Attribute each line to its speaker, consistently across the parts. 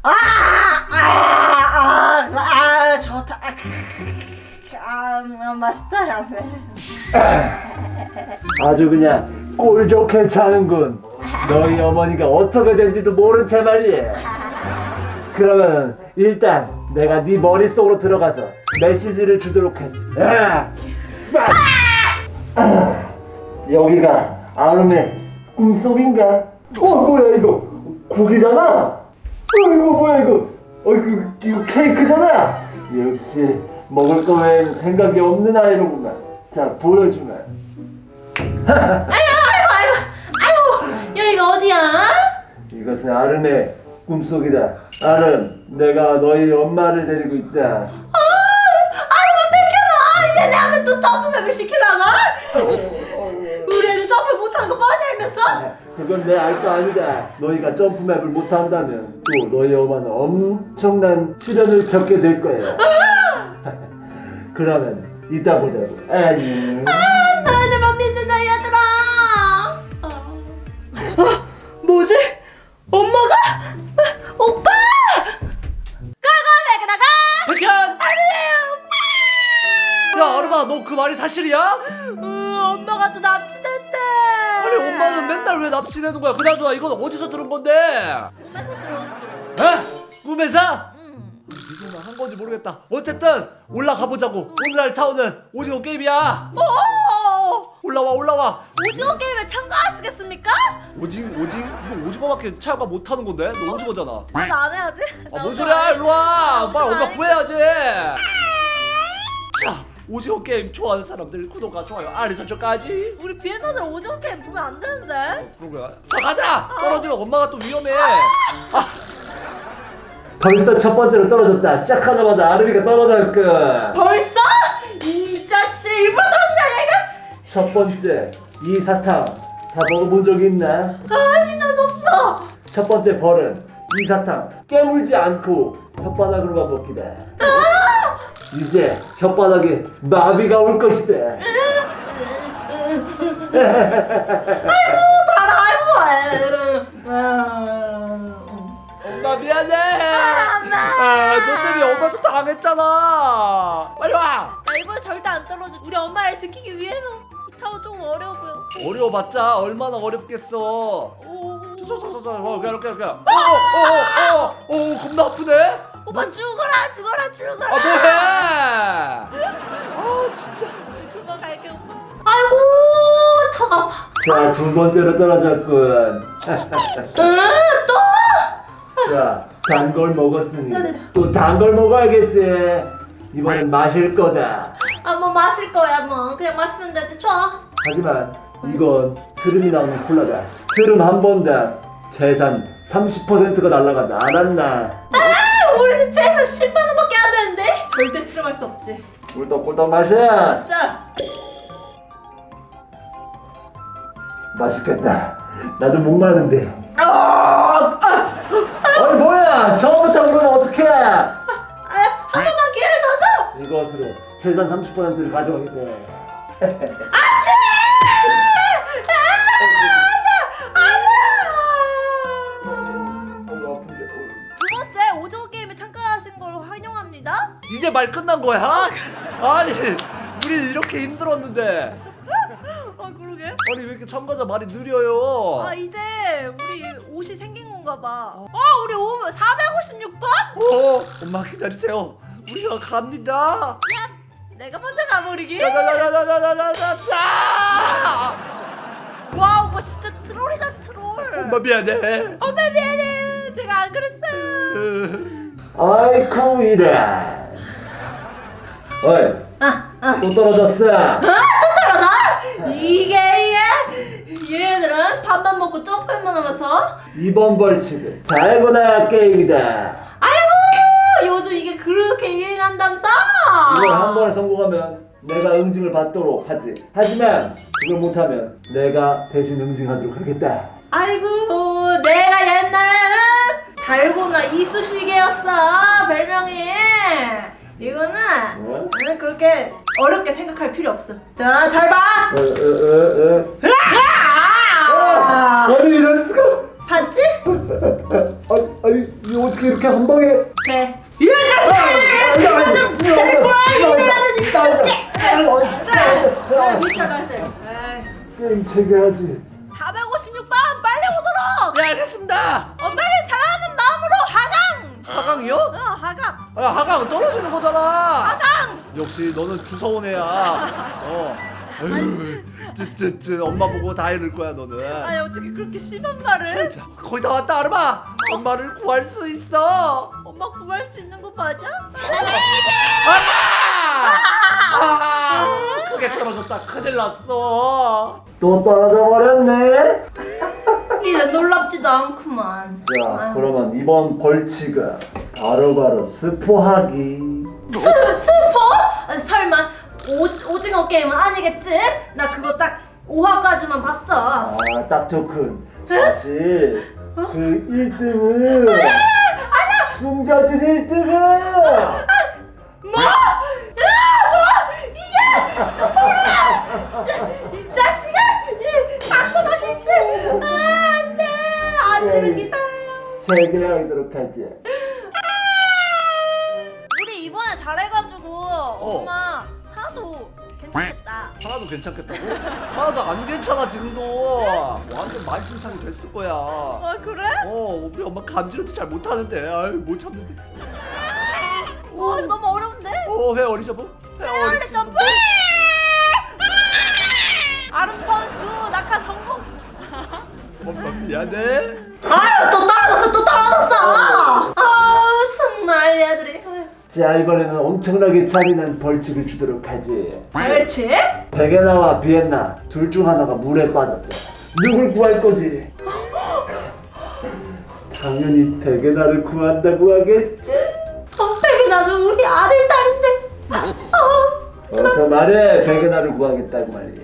Speaker 1: 좋다. 맛있다.
Speaker 2: 아주 그냥 꼴 좋게 차는군. 너희 어머니가 어떻게 된지도 모른 채 말이야. 그러면 일단 내가 네 머릿속으로 들어가서 메시지를 주도록 하지. 여기가 아름의 꿈속인가? 뭐야 이거 고기잖아. 이거 뭐야 이거? 이거 케이크잖아. 역시 먹을 거 외엔 생각이 없는 아이로구만. 자 보여주마.
Speaker 1: 아이고, 여기가 어디야?
Speaker 2: 이것은 아름의 꿈속이다. 아름, 내가 너희 엄마를 데리고 있다.
Speaker 1: 아이고, 뺏겨놔. 이제 내한테 또 점프맵을 시키려고? 우리 애는 점프 못하는 거 뻔히 알면서?
Speaker 2: 그건 내 알 거 아니다. 너희가 점프맵을 못한다면 또 너희 엄마는 엄청난 시련을 겪게 될 거야. 그러면 이따 보자고. 안녕.
Speaker 1: 너희들만 믿는다, 얘들아. 뭐지? 엄마가? 오빠! 가가
Speaker 3: 백현! 야 아름아 너 그 말이 사실이야?
Speaker 1: 엄마가 또 납치됐대.
Speaker 3: 아니 엄마는 맨날 왜 납치되는 거야? 그나저나 이건 어디서 들은 건데?
Speaker 1: 꿈에서 들었어.
Speaker 3: 에? 꿈에서? 무슨 말 한 건지 모르겠다. 어쨌든 올라가 보자고. 오늘 할 타운은 오징어 게임이야. 올라와.
Speaker 1: 오징어 게임에 참가하시겠습니까?
Speaker 3: 이거 오징어밖에 참가 못하는 건데? 너 오징어잖아.
Speaker 1: 난 안 해야지.
Speaker 3: 뭔 소리야? 일로 와. 빨리 엄마
Speaker 1: 아니.
Speaker 3: 구해야지. 자, 오징어 게임 좋아하는 사람들 구독과 좋아요, 알림 설정까지.
Speaker 1: 우리 비엔나들 오징어 게임 보면 안 되는데.
Speaker 3: 그런 거야? 자, 가자. 떨어지면 엄마가 또 위험해.
Speaker 2: 벌써 첫 번째로 떨어졌다. 시작하자마자 아름이가 떨어졌군.
Speaker 1: 벌써? 이 자식들이 일부러 떨어지면 아니야 이거?
Speaker 2: 첫 번째, 이 사탕 다 먹어본 적이 있나?
Speaker 1: 아니 난 없어.
Speaker 2: 첫 번째 벌은 이 사탕 깨물지 않고 혓바닥으로만 먹기다. 이제 혓바닥에 마비가 올 것이다.
Speaker 3: 엄마 미안해. 너 때문에 엄마도 당했잖아. 빨리 와.
Speaker 1: 나 이번에 절대 안 떨어져. 우리 엄마를 지키기 위해서. 이 타워 좀 어려워 보여.
Speaker 3: 어려워봤자 얼마나 어렵겠어.
Speaker 1: 오.
Speaker 3: 이렇게. 겁나 아프네.
Speaker 1: 오빠 죽어라.
Speaker 3: 아 뭐해? 아 진짜.
Speaker 1: 그거 갈게 오빠. 아이고 턱 아파.
Speaker 2: 자, 두 번째로 떨어졌군.
Speaker 1: 또?
Speaker 2: 자, 단 걸 먹었으니
Speaker 1: 네네.
Speaker 2: 또 단 걸 먹어야겠지. 이번엔 마실 거다.
Speaker 1: 뭐 마실 거야 뭐. 그냥 마시면 되지. 쳐.
Speaker 2: 하지만 이건 트름이 나오는 콜라다. 트름 한 번당 재산 30%가 날라간다. 알았나?
Speaker 1: 우리는 최소 10만 원밖에 안 되는데. 절대 트름할 수 없지.
Speaker 2: 꿀떡꿀떡 마셔.
Speaker 1: 아싸.
Speaker 2: 맛있겠다. 나도 목마른데. 아니 뭐야? 처음부터 그러면 어떡해?
Speaker 1: 한 번만 기회를 더 줘.
Speaker 2: 이것으로 재산 30%를 가져가겠대.
Speaker 1: 두 번째 오징어 게임에 참가하신 걸 환영합니다.
Speaker 3: 이제 말 끝난 거야? 아니 우리 이렇게 힘들었는데.
Speaker 1: 그러게.
Speaker 3: 아니 왜 이렇게 참가자 말이 느려요?
Speaker 1: 이제 우리 옷이 생긴 건가 봐. 우리 옷 456번?
Speaker 3: 엄마 기다리세요. 우리가 갑니다.
Speaker 1: 야, 내가 먼저 가버리기.
Speaker 3: 자자자자자자자자.
Speaker 1: 와, 오빠 진짜 트롤이다 트롤.
Speaker 3: 엄마 미안해.
Speaker 1: 엄마 미안해. 제가 안 그랬어요.
Speaker 2: 아이쿠 이래. 어이, 또 떨어졌어.
Speaker 1: 이게 얘네들은 밥만 먹고 점프만 하면서.
Speaker 2: 이번 벌칙은 달고나 게임이다.
Speaker 1: 아이고, 요즘 이게 그렇게 유행한다면서.
Speaker 2: 이걸 한 번에 성공하면 내가 응징을 받도록 하지. 하지만 그걸 못하면 내가 대신 응징하도록 하겠다.
Speaker 1: 아이고, 내가 옛날에 달고나 이쑤시개였어 별명이. 이거는 그렇게 어렵게 생각할 필요 없어. 자, 잘 봐.
Speaker 2: 아니 이럴 수가.
Speaker 1: 봤지?
Speaker 2: 아니 이 옷이 어떻게 이렇게 한 방에?
Speaker 1: 네. 이 자식! 좀 데리고 와! 이래야지 이 자식! 밑에 다시.
Speaker 2: 게임 체계하지.
Speaker 1: 456번 빨리 오도록!
Speaker 3: 네 알겠습니다.
Speaker 1: 엄마를 사랑하는 마음으로 하강!
Speaker 3: 하강이요?
Speaker 1: 하강!
Speaker 3: 야 하강은 떨어지는 거잖아.
Speaker 1: 하강!
Speaker 3: 역시 너는 주워온 애야. 에휴, 쯔쯔쯔 엄마 보고 다 이럴 거야 너는.
Speaker 1: 아니 어떻게 그렇게 심한 말을?
Speaker 3: 자, 거의 다 왔다 아르마. 엄마를 구할 수 있어.
Speaker 1: 엄마 구할 수 있는 거 맞아?
Speaker 3: 크게 떨어졌다. 큰일 났어.
Speaker 2: 또 떨어져 버렸네.
Speaker 1: 이제 놀랍지도 않구만.
Speaker 2: 자,
Speaker 1: 아유.
Speaker 2: 그러면 이번 벌칙은 바로바로 스포하기.
Speaker 1: 스포? 아니, 설마 오징어 게임은 아니겠지? 나 그거 딱 5화까지만 봤어.
Speaker 2: 아, 딱 좋군. 사실 그 1등은 숨겨진 1등은
Speaker 1: 뭐? 이게 이 자식아! 이 당근하겠지? 안돼! 안 들은 기다려요.
Speaker 2: 체계하도록 하지.
Speaker 1: 우리 이번에 잘해가지고 엄마 하나도 괜찮겠다.
Speaker 3: 하나도 괜찮겠다고? 하나도 안 괜찮아 지금도. 완전 만신창이 됐을 거야.
Speaker 1: 아 그래?
Speaker 3: 우리 엄마 감지로도 잘 못하는데. 아유 못 참는데.
Speaker 1: 와 이거 너무 어려운데?
Speaker 3: 회 어리점프? 회
Speaker 1: 빨리 점프! 아름 선수 낙하 성공.
Speaker 3: 엄마 미안해.
Speaker 1: 아유 또 떨어졌어. 아 정말 얘들이.
Speaker 2: 자, 이번에는 엄청나게 잔인한 벌칙을 주도록 하지.
Speaker 1: 그렇지?
Speaker 2: 베게나와 비엔나 둘 중 하나가 물에 빠졌대. 누굴 구할 거지? 당연히 베게나를 구한다고 하겠지?
Speaker 1: 나는 우리 아들 딸인데.
Speaker 2: 어서 말해. 베게나를 구하겠다고 말이야.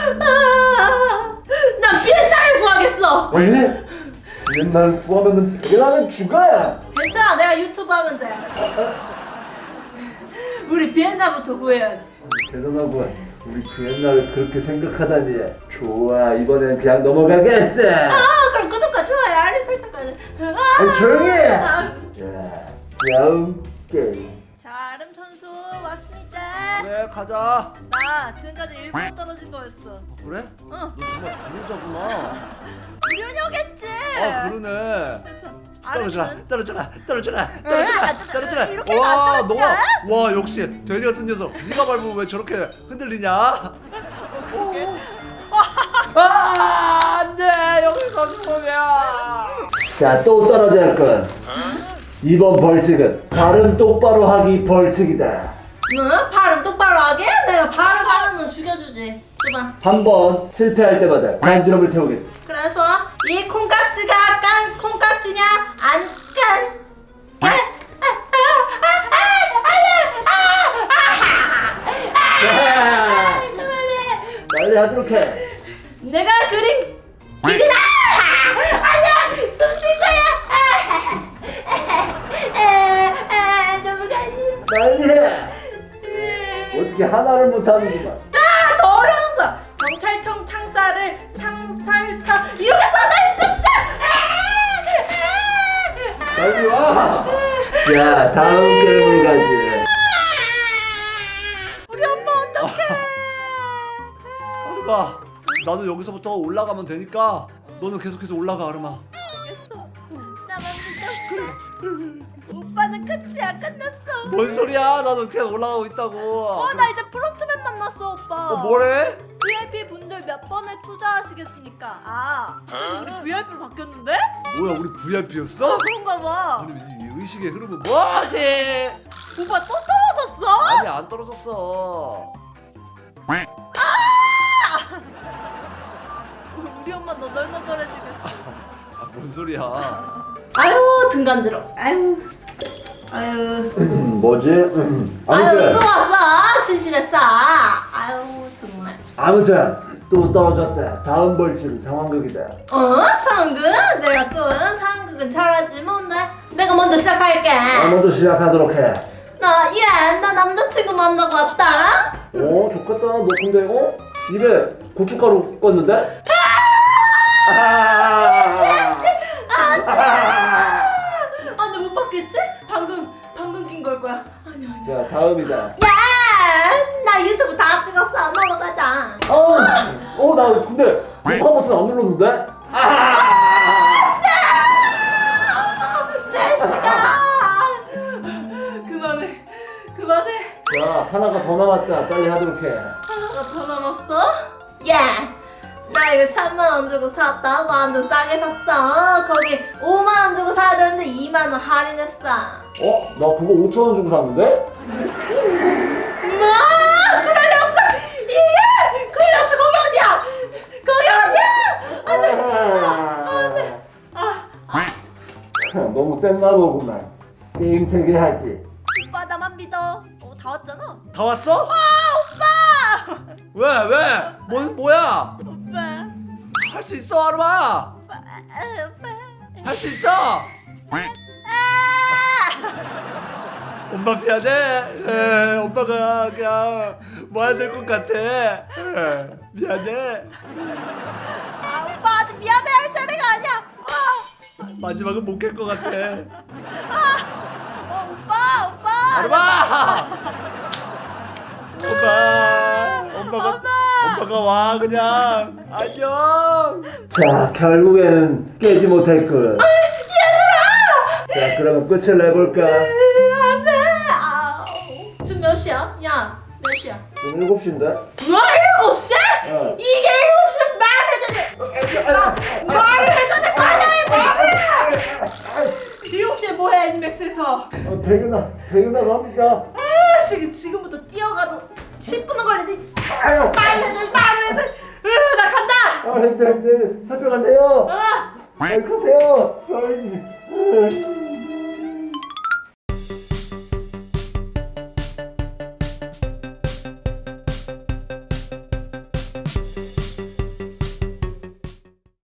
Speaker 1: 난 비엔나를 구하겠어.
Speaker 2: 왜? 비엔나를 구하면은 베게나는 죽어야.
Speaker 1: 괜찮아 내가 유튜브 하면 돼. 우리 비엔나부터 구해야지.
Speaker 2: 대단하구나. 우리 비엔나를 그렇게 생각하다니. 좋아, 이번엔 그냥 넘어가겠어.
Speaker 1: 그럼 구독과 좋아요 알림 설정까지.
Speaker 2: 아니, 조용히 해. 자, 다음 게임.
Speaker 1: 자 아름 선수 왔습니다.
Speaker 3: 그래 가자.
Speaker 1: 나 지금까지 일부러 떨어진 거였어.
Speaker 3: 그래?
Speaker 1: 응.
Speaker 3: 너 정말 부르자구나.
Speaker 1: 유료녀겠지.
Speaker 3: 그러네. 떨어져라,
Speaker 1: 아름은?
Speaker 3: 떨어져라, 떨어져라,
Speaker 1: 안
Speaker 3: 떨어져라,
Speaker 1: 떨어져.
Speaker 3: 떨어져라.
Speaker 1: 이렇게는 안
Speaker 3: 와,
Speaker 1: 떨어져.
Speaker 3: 너가 와 역시 돼지 같은 녀석. 네가 밟으면 왜 저렇게 흔들리냐? 안돼 여기서 죽으면.
Speaker 2: 자, 또 떨어질 건. 이번 벌칙은 발음 똑바로 하기 벌칙이다.
Speaker 1: 응? 발음 똑바로 하게? 내가 발음 하는 건 죽여주지. 줘봐.
Speaker 2: 한 번 실패할 때마다 간지럼을 태우겠다.
Speaker 1: 그래서 이 콩깍지가 깐 콩깍지냐 안 깐?
Speaker 2: 자, 빨리 하도록 해.
Speaker 1: 내가 그린 길이다. 아니야 숨 쉴 거야. 너무 가지.
Speaker 2: 빨리 해. 어떻게 하나를 못하는구만.
Speaker 1: 더 어려웠어. 경찰청 창살을 창살청 이렇게 써져 있었어.
Speaker 2: 빨리 와. 자, 다음 게임으로 가지.
Speaker 1: 우리 엄마 어떡해.
Speaker 3: 아르마, 나도 여기서부터 올라가면 되니까 너는 계속해서 올라가 아르마.
Speaker 1: 알겠어. 나만 믿어. 오빠는 끝이야. 끝났어.
Speaker 3: 뭔 소리야? 나도 계속 올라가고 있다고.
Speaker 1: 나 이제 프론트맨 만났어 오빠.
Speaker 3: 뭐래?
Speaker 1: VIP 분들 몇 번에 투자하시겠습니까? 우리 VIP로 바뀌었는데?
Speaker 3: 뭐야 우리 VIP였어?
Speaker 1: 그런가 봐.
Speaker 3: 아니 이 의식의 흐름은 뭐지?
Speaker 1: 오빠 또 떨어졌어?
Speaker 3: 아니 안 떨어졌어.
Speaker 1: 우리 엄마 너덜너덜해지겠어.
Speaker 3: 뭔 소리야?
Speaker 1: 아유 등 간지러. 아유.
Speaker 2: 뭐지?
Speaker 1: 아유 또 왔어. 심심했어. 아유 정말.
Speaker 2: 아무튼 또 떨어졌다. 다음 벌칙은 상황극이다.
Speaker 1: 상황극? 내가 또 상황극은 잘하지 뭔데? 내가 먼저 시작할게.
Speaker 2: 먼저 시작하도록 해.
Speaker 1: 나 남자친구 만나고 왔다.
Speaker 2: 좋겠다. 너 근데 입에 고춧가루 껐는데?
Speaker 1: 안돼 못 바꿔. 갈 거야? 아니야.
Speaker 2: 자, 다음이다.
Speaker 1: 야, 나 유튜브 다 찍었어. 넘어가자.
Speaker 2: 나 근데 녹화 버튼 안 눌렀는데?
Speaker 1: 내 시간. 그만해.
Speaker 2: 자, 하나가 더 남았다. 빨리 하도록 해.
Speaker 1: 하나가 더 남았어? 야, 나 이거 3만 원 주고 샀다. 완전 싸게 샀어. 거기 5만 원 주고 사야 되는데 2만 원 할인했어.
Speaker 2: 나 그거 5,000원 주고 샀는데?
Speaker 1: 뭐? 그럴 리 없어. 그럴 리 없어. 거기 어디야?
Speaker 2: 너무 센나 보구만. 게임 체계하지.
Speaker 1: 오빠 나만 믿어. 다 왔잖아.
Speaker 3: 다 왔어?
Speaker 1: 오빠.
Speaker 3: 왜? 뭐야?
Speaker 1: 오빠.
Speaker 3: 할 수 있어, 아르마.
Speaker 1: 오빠.
Speaker 3: 할 수 있어. 엄마 미안해. 오빠가 그냥 뭐 해야 될 것 같아. 미안해.
Speaker 1: 오빠 아직 미안해 할 자리가 아니야.
Speaker 3: 마지막은 못 깰 것 같아.
Speaker 1: 오빠.
Speaker 3: 아르마. 엄마가 와 그냥. 안녕.
Speaker 2: 자, 결국에는 깨지 못했군. 자, 그러면 끝을 내볼까?
Speaker 1: 안돼. 지금 몇 시야? 야, 몇 시야?
Speaker 2: 지금 7시인데?
Speaker 1: 뭐 7시? 이게 7시 말을 해줘야 말을 7시에 뭐해 애니맥스에서?
Speaker 2: 대근아 갑니다.
Speaker 1: 지금부터 뛰어가도 10분은 걸리지.
Speaker 2: 아유.
Speaker 1: 말을 해줘. 나 간다.
Speaker 2: 이제 살펴가세요.
Speaker 1: 아.
Speaker 2: 가세요.